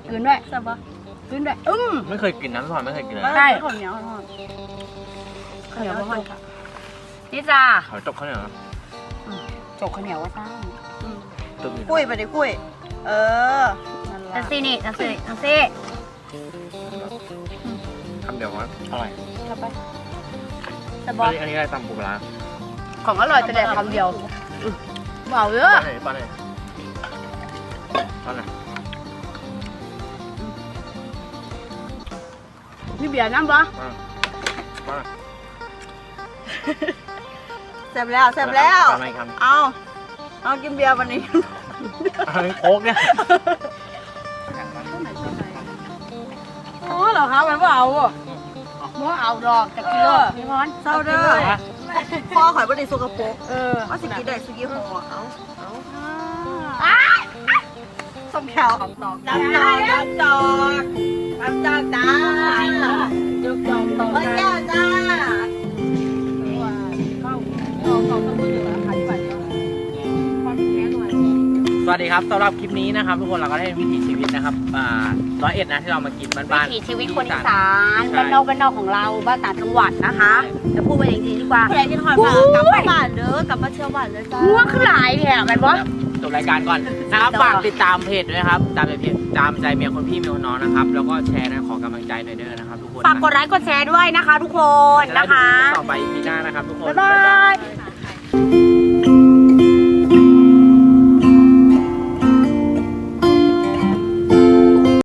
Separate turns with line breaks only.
กินด้วย
แซ่บปะ
กินด้วย
ไม่เคยกินน้ำซอยไม่เคยกินเลย
ใช่
ข้าวเหนียวทอด
ข้าวเหนียวพ่อค่ะนี่จ้า
หอยจบเขาเนี่ยเหรอ
จกข้าวเหนียวว่าซ่า
ตึ้งอยู่
กุ้ยไปดิกุ้ยนั่น
จั
ละ
งซี่นี่จังซี่
คำเดียวว่าอร่อย
เข้าไป
แซ่บ
อั
ปะ
นนี้อะไรตำปูปลา
ของอร่อยแต่แดกคำเดียวเบาเยอะ
ป้อนไหนป้อนไหน
นี่เบียร์น้ำปะ
ป้อนไหน
แซ่บแล้วแซ่บแล้ว
ป้อนไหนคำ
เอากินเบียร์วันนี้
โค้กเนี่ย
อ๋อเหรอคะมันว่าเอาอ่ะว่าเอาดอกจากกิโลพี่พร
เศร้าเด้อพ่อข่อยบ่ได้สกปรก
อ
เอาสิกินได้สุกี้ห่อเอา
ส้มแขวของตอก
น้ำจอกน้ำจอกน้ำจอกจ้าย
กจองตอก
โอ้ยแก้วจ้า
สวัสดีครับสำหรับคลิปนี้นะครับทุกคนเราก็ได้วิถีชีวิตนะครับ101นะที่เรามากินบ้านๆ
วิถีชีวิตคนอีสานบ้านนอกของเราบ้านต่างจังหวัดนะคะจะพูดไปจริงๆดีกว่า
ใครกินหอยปลากลับมาบ้านเด้อกลับมาเที่ยวบ้านเลยจ้า
ง่วงขึ้นหลายเนี่ยแมันวะ
จบรายการก่อนนะครับฝากติดตามเพจด้วยนะครับตามเพจตามใจเมียคนพี่เมียคนน้องนะครับแล้วก็แชร์นะขอกำลังใจหน่อยเด้อนะครับทุกคน
ฝากกดไลค์กดแชร์ด้วยนะคะทุกคนนะคะ
ต่อไปปีหน้านะครับทุกคน
บ๊ายบาย